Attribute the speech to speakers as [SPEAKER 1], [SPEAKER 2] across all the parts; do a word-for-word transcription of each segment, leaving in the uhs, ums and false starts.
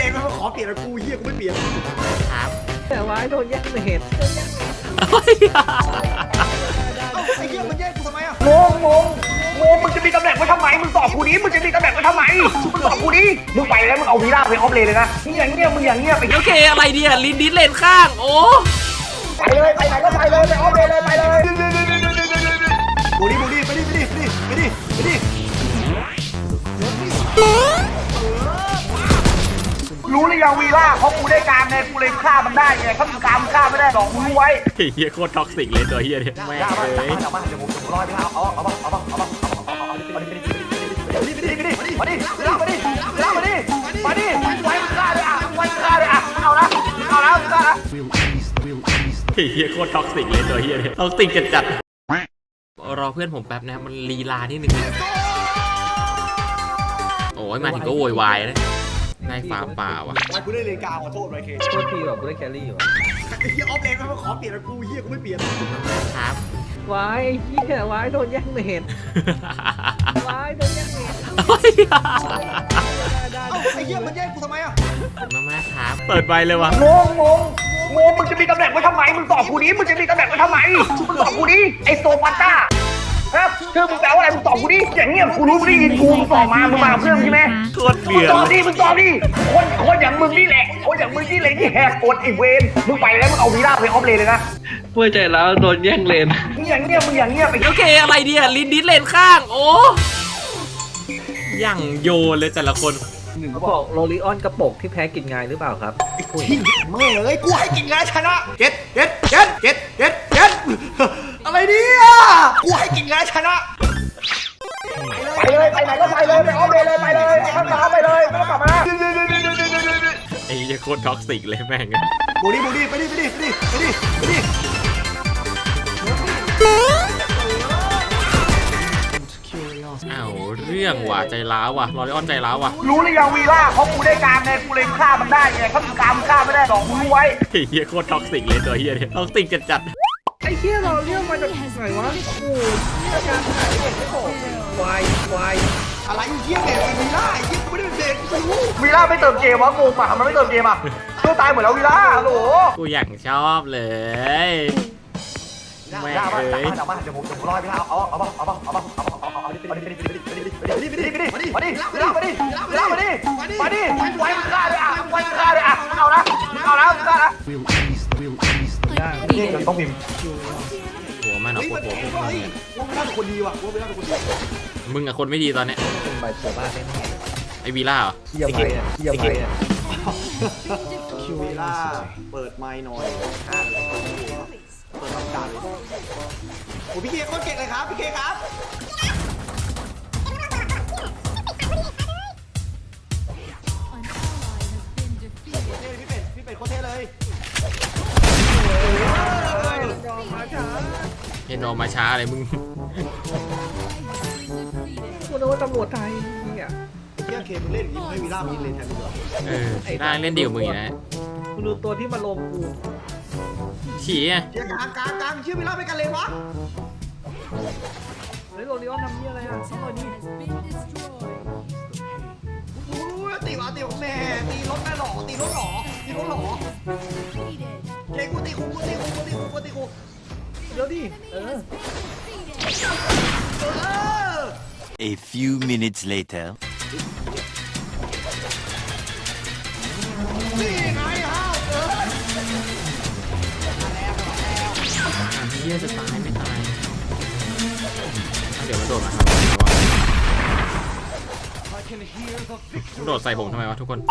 [SPEAKER 1] องแล้วขอเปลี่ยนกูเฮียกูไม่เปลี่ยน
[SPEAKER 2] ครับ
[SPEAKER 3] แต่ว่าโดนแย่งเห็ด
[SPEAKER 1] ไอ้เฮียมันแย่งกูทำไมอ่ะ
[SPEAKER 4] งงงงงงมึงจะมีตำแหน่งไว้ทำไมมึงตอบกูนี้มึงจะมีตำแหน่งไว้ทำไมมึงตอบกูนี้มึงไปแล้วมึงเอาวีล่าไปออฟเลนเลยนะมึงอย่างเงี้ยมึงอย่างเงี้ยไป
[SPEAKER 2] โอเคอะไรเดียลินดิสเลนข้างโอ้
[SPEAKER 4] ไปเลยไปไหนก็ไปเลยไปออฟเลนเลยไปเลย
[SPEAKER 1] บูดี้บูดี้ไปดิไปดิไปดิไปดิไปดิ
[SPEAKER 4] รู้หรือยังวีล่าเพราะกูได้การไงกูเลยฆ่ามันได้ไงถ้ามึงการมึงฆ่าไม่ได้หรอกมึงรู้ไว้
[SPEAKER 2] เฮียโคตรท็อกซิกเลยตัวเฮียเนี่ยแม่เลย
[SPEAKER 4] เอามาเดี๋ยวผมรอไปเอาเอาเอาเอาเอาเอาเอามาดิมาดิมาดิมาดิมาดิมาดิมาดิไว้มึงฆ่าเลยอ่ะไว้มึงฆ่าเลยอ่ะเอาละเอาละมึงฆ่าละ
[SPEAKER 2] เฮียโคตรท็อกซิกเลยตัวเฮียเนี่ยท็อกซิกจัดจัดรอเพื่อนผมแป๊บนะมันลีลาที่หนึ่งโอ้ยมาถึงก็โวยวายนะนายฟ้าป่าวะ
[SPEAKER 1] กูได้เลนกาขอโทษไรเค
[SPEAKER 3] โทษทีแบบกูได้แครี่อยู่
[SPEAKER 1] ไอ้เฮียออฟเลนแล้วขอเปลี่ยนกูเฮียกูไม่เปลี่ยน
[SPEAKER 2] ครับ
[SPEAKER 3] วายไอ้เหี้ยวายโดนแย่งเห็ดวายโดนแย่งเห็ด
[SPEAKER 1] ไอ้เฮียมันแย่งกูทำไมอ่ะ
[SPEAKER 2] มามาครับเปิดใบเลยวะ
[SPEAKER 4] งงงงงงมึงจะมีตำแหน่งไว้ทำไมมึงตอบกูนี้มึงจะมีตำแหน่งไว้ทำไมมึงตอบกูนี้ไอโซปัตต้าครับชื่อมึงแปลว่าอะไรมึงตอบกูดิอย่างเงี้ยกูรู้มึงได้ยินกูมึงตอบมามึงมาเพื่อนใช่ไหม
[SPEAKER 2] โคตรเบียด
[SPEAKER 4] ตอบดิมึงตอบดิคนคนอย่างมึงนี่แหละคนอย่างมึงนี่แหละที่แหกกฎไอเวนมึงไปแล้วมึงเอาวีล่าไปออฟเลนเลยนะ
[SPEAKER 3] เพื่อใจแล้วโดนแย่งเลน
[SPEAKER 4] มึงอย่างเงี้ยมึงอย่างเงี้ยไป
[SPEAKER 2] โอเคอะไรเดียลินดิสเลนข้างโอ้ยังโยนเลยแต่ละคน
[SPEAKER 3] เขาบอกโรลิออนกระปกที่แพ้กินงายหรือเปล่าครับ
[SPEAKER 1] ทิ้งแม่เลยกูให้กินงานชนะเก็ตเก็ตเก็ตเก็ตเก็ตเก็ตอะไรเนี่ยกูให้กินงานชนะ
[SPEAKER 4] ไปเลยไปไหนก็ไปเลยไปออฟเลนเลยไปเลยข้ามตามไปเลยไม่ต้องกลับมา
[SPEAKER 2] ไอ้ยี่โคตรท็อกซิกเลยแม่ง
[SPEAKER 1] บูดี้บูดี้ไปดิไปดิไปดิไปดิไปดิ
[SPEAKER 2] อ้าวเรื่องว่ะใจร้าวว่ะรอริออนใจร้าวว่ะ
[SPEAKER 4] รู้หรือยังวีล่าเพราะกูได้การไงกูเลยฆ่ามันได้ไงถ้ามึงการมึงฆ่าไม่ได้หรอกมึงรู้ไว้
[SPEAKER 2] เฮียโคตรท็อกซิกเลยตัวเฮียเนี่ยท็อกซิกจัดจัด
[SPEAKER 3] ไอ้เหี้ยเราเรื่องมาจากไหนวะโอ้ยอาการหายเด็กไม่บอกวายวาย
[SPEAKER 1] อะไรเหี้ยเด็กวีล่าไอ้เหี้ยกูไม่ได้เป็นเด็กกูรู้
[SPEAKER 4] วีล่าไม่เติมเกมวะงงป่ะมันไม่เติมเกมอ่ะตัวตายหมดแล้ววีล่าโหล
[SPEAKER 2] กูอยากชอบเลย
[SPEAKER 4] แม่เอ้ยเดี๋ยวมาเดี๋ยวผมจะรอไปเอาเอาเอาเอาเอาเอาเอาเอาเอาดิมาดิมาดิมาดิมาดิมาดิมาดิมาดิมาดิมาดิมาดิไว้มึงฆ่าเลยอ่ะไว้มึงฆ่าเลยอ่ะเอาละเอาละฆ่าละนี่ต้องพิมพ์
[SPEAKER 2] หัวมันเอาปวดหัวพวกมึง
[SPEAKER 1] เนี่ยว่าไม่น่าเป็นคนดีว่ะว่าไม่น่าเป็นคนดี
[SPEAKER 2] มึงอะคนไม่ดีตอนเนี้ย
[SPEAKER 3] เป็นใบเสือบ้านแน่
[SPEAKER 2] ไอวีล่าเหรอ
[SPEAKER 3] เยี่ยมไปอ่ะเยี่ยมไปอ่ะ
[SPEAKER 1] คิววีล่าเปิดไมค์หน่อยอ่าเปิดทำการเลยโอ้พี่เคโคตรเก่งเลยครับพี่เคครับพี่เป็ดพี่เป็ดโคตรเท่เลย
[SPEAKER 2] เห็นออกมาช้าอะไรมึง
[SPEAKER 3] กูนึกว่าตำรวจไทยเนี่ย
[SPEAKER 1] เที่ยเคมึงเล่นอย่างนี้มึงให้วีล่ามีเลนแทนมึงเหรอ
[SPEAKER 2] เออได้เล่นดีกว่ามึงนะ
[SPEAKER 3] กูดูตัวที่มาลงกู
[SPEAKER 2] ฉี่อ่ะ
[SPEAKER 1] เชี่ยกลางกลางกลางเชี่ยวีล่าไปกันเลยวะ
[SPEAKER 3] เฮ้ยโรลิออนทำนี่อะไรอ่ะซ้ำหน่อยนี่
[SPEAKER 1] โอ้ยตีวะตีของแม่ตีรถแม่หล่อตีรถหล่อตีรถหล่อเจ๊กูตีคุกกูตีคุกกูตีคุกกูตีคุก
[SPEAKER 3] เดี๋ยวดิเออ
[SPEAKER 5] A few minutes later
[SPEAKER 1] นี่ไงฮะเออ
[SPEAKER 2] เฮียจะตายไม่ตายเดี๋ยวมันโดดมาครับมันโดดใส่ผมทำไมวะทุกคน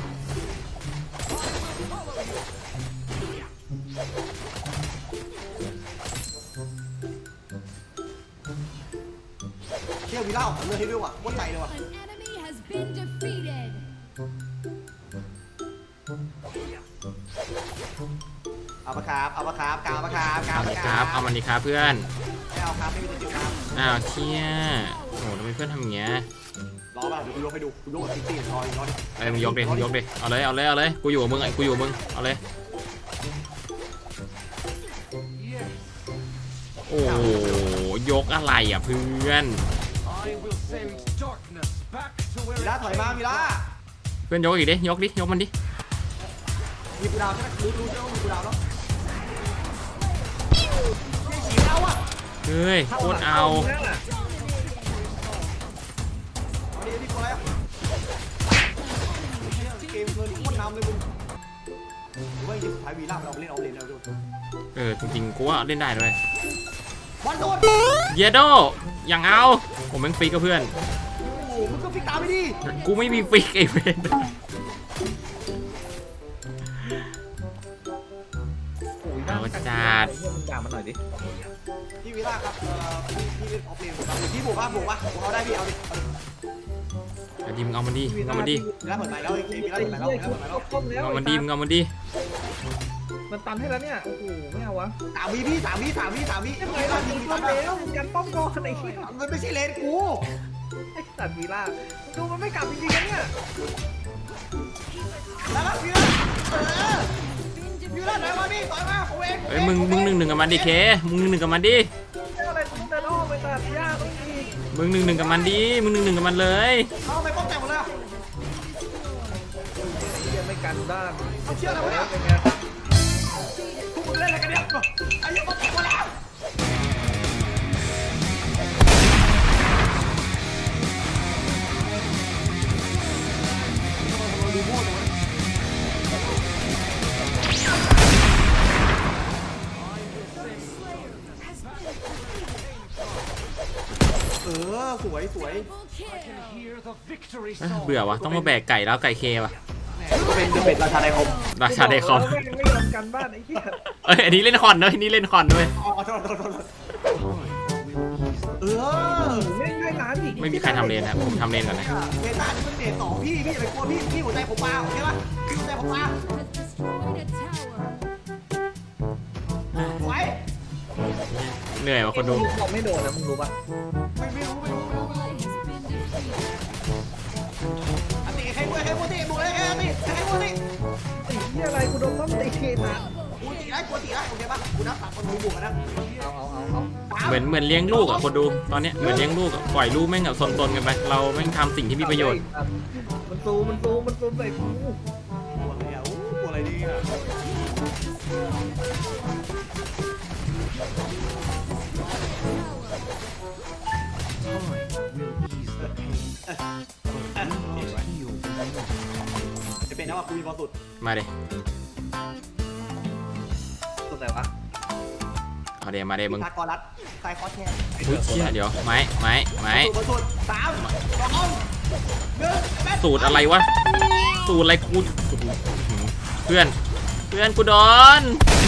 [SPEAKER 1] เชี่ยวีล่าของเลือดให้ด้วยว่ะโคตรใจเลยว่ะเอาปะครับเอาปะครับกาวปะครับกาวปะครับ
[SPEAKER 2] เอามันดีครับเพื่อน
[SPEAKER 1] ไม่เอาครับไม่มีตัวจิ๋วครับ
[SPEAKER 2] อ้าวเชี่ยโอ้โหทำไมเพื่อนทำอย่างเงี้ย
[SPEAKER 1] รอป่ะเดี๋ยวกูยกให้ดูกูยกกับซิตี้รอรอดิ
[SPEAKER 2] เอ้ยมึงยกดิมึงยกดิเอาเลยเอาเลยเอาเลยกูอยู่กับมึงไอ้กูอยู่กับมึงเอาเลยโอ้ยกอะไรอ่ะเพื่อน
[SPEAKER 1] วีล่าถอยมาวีล่า
[SPEAKER 2] เพื่อนยกอีกดิยกดิยกมันดิ
[SPEAKER 1] มีกูดาวใช่ไหมรู้รู้ใช่ไหมว่ามีกูดาวแล้วไม่ฉีดแล้วอ่ะ
[SPEAKER 2] เฮ้ยโคตรเอา
[SPEAKER 3] นั่นน่ะ
[SPEAKER 1] เอาดิดิกูอะไรอ่ะเกมเกินโคตรนำเลยมึงหรือว่าจริงสุดท้ายวีล่าเราเล่นเอาเลนเอาดู
[SPEAKER 2] เออจริงๆกูว่าเล่นได้ด้วย
[SPEAKER 1] บอลโดน
[SPEAKER 2] เยโดอย่างเอาผมแม่งฟิกกับเพื่อน
[SPEAKER 1] โอ้โหมึงก็ฟิกตามไปดิ
[SPEAKER 2] กูไม่มีฟิกไอ้เวน
[SPEAKER 3] โอ้ยน่า
[SPEAKER 2] เอาจัด
[SPEAKER 3] เฮียมึงด่ามันหน่อยดิ
[SPEAKER 1] พี่วีล่าครับเอ่อพี่พี่เล่นออฟเลนผมครับพี่บุกป่ะบุกป่ะผมเอาได้พี่เอาดิเอาดิ
[SPEAKER 2] ไอ้ดิมงเอามันดิมึงเอามันดิ
[SPEAKER 1] วีล่าเปิดใหม่แล้วเกมวีล่า
[SPEAKER 3] ไอ้
[SPEAKER 1] เปิดใหม่แล้ว
[SPEAKER 3] เหี้ย
[SPEAKER 1] วีล่า
[SPEAKER 3] กู
[SPEAKER 1] เปิดใหม่แล้ว
[SPEAKER 3] ต้มแล้ว
[SPEAKER 2] เอามันดิมึงเอามันดิ
[SPEAKER 3] มันตันให้แล้วเนี่ย โอ้โห ไม่เอาวะ
[SPEAKER 1] สามวีพี่สามวีสามวีสามวี
[SPEAKER 3] ไม่
[SPEAKER 1] วี
[SPEAKER 3] ไหว
[SPEAKER 1] ล่า
[SPEAKER 3] แล้ว
[SPEAKER 1] ยิ
[SPEAKER 3] มึ
[SPEAKER 1] ง
[SPEAKER 3] ง
[SPEAKER 1] วี
[SPEAKER 3] ต้
[SPEAKER 1] ล่าม
[SPEAKER 3] แล้วมึงกันป้อมก่อนไอ้เหี้ย
[SPEAKER 1] มันไม่ใช่เลนกู
[SPEAKER 3] ไอ้สัตว์วีล่าดูมันไม่กลับจริงๆนะเนี่ย
[SPEAKER 1] แล้วก็วีล่าเออวีล่าไหนมาดิต่อยมาผมเอง
[SPEAKER 2] เอ้ยมึงมึงหนึ่งหนึ่งกับมันดิเคมึงหนึ่งหนึ่งกับมันดิ
[SPEAKER 3] เจ้าอะไรกูต้องเดินอ้อมไปตัดหญ้าต้องอีก
[SPEAKER 2] มึงหนึ่งหนึ่งกับมันดิมึงหนึ่งหนึ่งกับมันเลย
[SPEAKER 1] เอาไปป้องแตกหมดเลย
[SPEAKER 3] เหี้ยไม่กันบ้าง
[SPEAKER 1] เอาเชือกอะไรวะเนี่ย
[SPEAKER 3] เป็นไง
[SPEAKER 1] พวกมึงเล่นอะไรกันเนี่ยไอ้ยังป้องแตกหมดแล้วดูโม่ตรงนี้เออสวยสวย
[SPEAKER 2] เอ้ยเบื่อวะต้องมาแบกไก่แล้วไก่เควะ
[SPEAKER 1] ก็เป็นเป็นราชาในคม
[SPEAKER 2] ราชาไดคอม
[SPEAKER 3] แม่งไม่ยอมกันบ้านไอ้เหี้ย
[SPEAKER 2] เอ้ยอันนี้เล่นคอนด้วยอันนี้เล่นคอนด้วย
[SPEAKER 1] อ๋อโทษโทษโทษเออ
[SPEAKER 3] ไม่ได้ร้านอีก
[SPEAKER 2] ไม่มีใครทำเลนนะผมทำเลนก่อนนะ
[SPEAKER 1] เมตานี่มันเมตสองพี่พี่อย่าไปกลัวพี่พี่หัวใจผมมาโอเคป่ะพี่หัวใจผมมาไว้
[SPEAKER 2] เหนื่อยว่ะคนดู
[SPEAKER 3] บอกไม่โดนนะมึงรู้ปะ
[SPEAKER 1] ไม่ไม่รู้ไม่รู้ไม่รู้อันตีใครกลัวใครกลัวตีบุกเลยใครตีใครกลัวตี
[SPEAKER 3] ไอ้เหี้ยอะไรกูโดนต้มตีเทนะ
[SPEAKER 1] กูตีได้กลัวตีได้โอเคป่ะกูนับสามคนดูบุกกันนะ
[SPEAKER 3] เอาเอาเอาเอา
[SPEAKER 2] เหมือนเหมือนเลี้ยงลูกอ่ะคนดูตอนเนี้ยเหมือนเลี้ยงลูกอะปล่อยลูกแม่งแบบซนๆกันไปเราแม่งทำสิ่งที่มีประโยชน์
[SPEAKER 3] มันซูมมันซูมมันซูมใส่กู
[SPEAKER 1] กลัวอะไรอ่ะกลัวอะไรดีอ่ะจะเป็นนะว่ากูมีบอลสุด
[SPEAKER 2] มาเด
[SPEAKER 3] ตัวไหนวะ
[SPEAKER 2] เอาเดมาเดมึง
[SPEAKER 1] ทากรรัดใครคอสแทน
[SPEAKER 2] อุ้ยเชี่ยเดี๋ยวไม้ไม้ไม้
[SPEAKER 1] บอลสุดสามสองหนึ่งแม่
[SPEAKER 2] สูตรอะไรวะสูตรอะไรกูเพื่อนเพื่อนกูโดน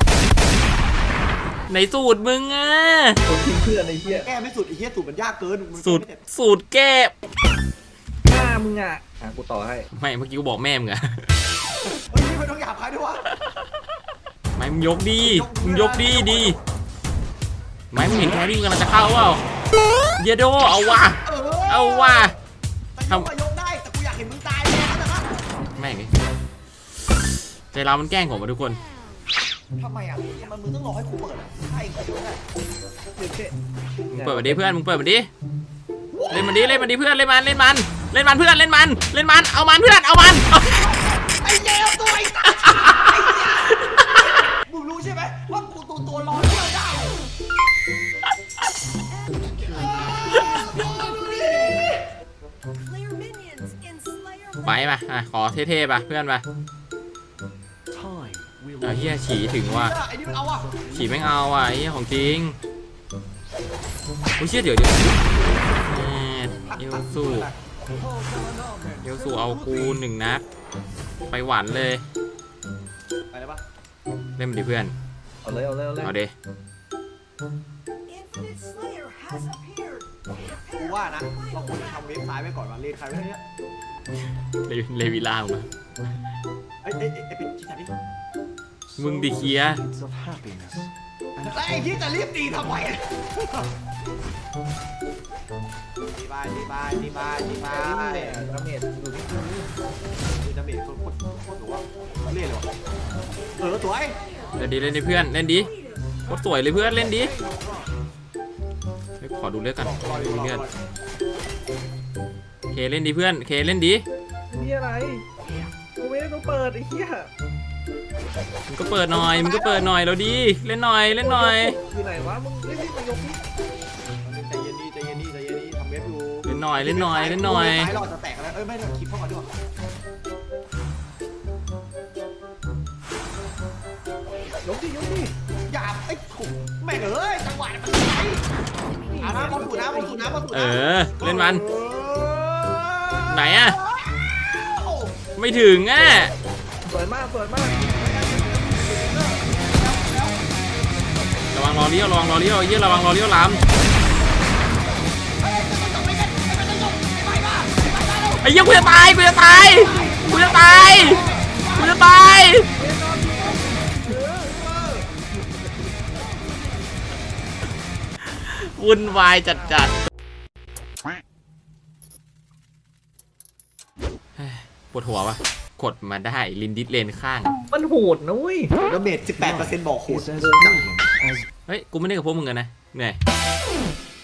[SPEAKER 2] ไหนสูตรมึงอ่ะ
[SPEAKER 3] คนทิ้งเพื่อนไอ้เหี้ย
[SPEAKER 1] แก้ไม่สุดไอ้เหี้ยสูตรมันยากเกินมัน
[SPEAKER 2] สูตร
[SPEAKER 1] ไม่เสจ
[SPEAKER 2] สูตรแก้
[SPEAKER 3] หน้ามึงอ่ะอ่ะกูต่อให้
[SPEAKER 2] ไม่เมื่อกี้กูบอกแม่มึงอะ
[SPEAKER 1] เฮ้ยไม่ต้องหยาบคายด้วยวะ
[SPEAKER 2] ไม่มึงยกดีมึงยกดีดีไม่มึงเห็นแครี่มึงกำลังจะเข้าเปล่าเยโดเอาว่ะ
[SPEAKER 1] เออ
[SPEAKER 2] เอาว่ะ
[SPEAKER 1] แต่ยกอะยกได้แต่กูอยากเห็นมึงตายเลยนะ
[SPEAKER 2] แม่งไอ้ใจเรามันแกล้งผมมาทุกคน
[SPEAKER 1] ทำไมอ่ะทำไมมึงต้องรอให้กูเปิดอ่ะใช่กูไม่ได้
[SPEAKER 3] เดี๋ยวเจ๊
[SPEAKER 2] มึงเปิดมาดิเพื่อนมึงเปิดมาดิเล่นมันดิเล่นมันดิเพื่อนเล่นมันเล่นมันเล่นมันเพื่อนเล่นมันเล่นมันเอามันเพื่อนเอามัน
[SPEAKER 1] ไอ้เจ้าตัวไอ้ตาไอ้เหี้ยมึงรู้ใช่ไหมว่ากูตัวตัวรอเที่ยวได้
[SPEAKER 2] ไปป่ะอ่ะขอเท่ๆป่ะเพื่อนป่ะเออเฮียฉีถึงว่ะ
[SPEAKER 1] ไอ้นี่มันเอาอ่ะ
[SPEAKER 2] ฉีแม่งเอาว่ะไอ้เฮียของจริงโอ้ยเชี่ยเดี๋ยวเดี๋ยวแหมเอลสูเอลสูเอากูหนึ่งนัดไปหวานเลย
[SPEAKER 1] ไปเลยปะ
[SPEAKER 2] เล่นมันดิเพื่อน
[SPEAKER 3] เอาเลยเอาเลยเอาเลย
[SPEAKER 2] เอาเด
[SPEAKER 1] กูว่านะเราควรจะทำเว็บซ้ายไว้ก่อนว่าเลนใครไว้เนี่ย
[SPEAKER 2] เลเลวิล่ามา
[SPEAKER 1] ไอ้ไอ้ไอ้เป็นที่ไหนดิ
[SPEAKER 2] มึงดิเคีย
[SPEAKER 1] แล้วไอ้ที่จะรีบตีทำไมตีไปตีไปตีไปตีไป
[SPEAKER 3] ดาเมจอยู่ที่กู
[SPEAKER 1] คือจะเบรกโคตรโคตรโคตรหรือว่าเล่นเลยวะเออสวย
[SPEAKER 2] เล่นดิเล่นดิเพื่อนเล่นดิโคตรสวยเลยเพื่อนเล่นดิเฮ้ยขอดูเลือดกัน
[SPEAKER 1] รออ
[SPEAKER 2] ดู
[SPEAKER 1] ยู่รอ
[SPEAKER 2] เลือด
[SPEAKER 1] รอ
[SPEAKER 2] เคเล่นดิเพื่อนเคเล่นดิ
[SPEAKER 3] มีอะไรต้องเปิดไอ้เหี้ย
[SPEAKER 2] มึงก็เปิดหน่อยมึงก็เปิดหน่อยแล้วดีเล่นหน่อยเล่นหน่อย
[SPEAKER 3] อยู่ไหนวะมึงรีบๆมายกนี่
[SPEAKER 1] ใจเย็นดีใจเย็นดีใจเย็นดีทำเว็บอยู่
[SPEAKER 2] เล่นหน่อยเล่นหน่อยเล่นหน่อย
[SPEAKER 1] ซ้ายเราจะแตกแล้วเอ้ยไม่ได้คลิปเข้ามาด้วย
[SPEAKER 3] ยกดิยกดิ
[SPEAKER 1] อย่าไอ้ถุงแม่งเอ้ยจังหวะมันไหนอ่ะนะบอลถูน้ำบอลถูน้ำบอลถูน้ำ
[SPEAKER 2] เออเล่นมัน
[SPEAKER 1] เออ
[SPEAKER 2] ไหนอะไม่ถึงอ่ะ
[SPEAKER 3] สวยมากสวยมาก
[SPEAKER 2] ระวังรอเลี้ยวระวังรอเลี้ยวเยี่ยระวังรอเลี้ยวล้ำไอ้เหี้ยกูจะตายกูจะตายกูจะตายกูจะตายวุ่นวายจัดจัดปวดหัววะกดมาได้ลินดิสเลนข้าง
[SPEAKER 3] มันโหดนะเว้ย
[SPEAKER 1] แล้วเมจสิบแปดเปอร์เซ็นต์บอกโหด
[SPEAKER 2] เฮ้ยกูไม่ได้กับพวกมึงกันนะเหนื่อย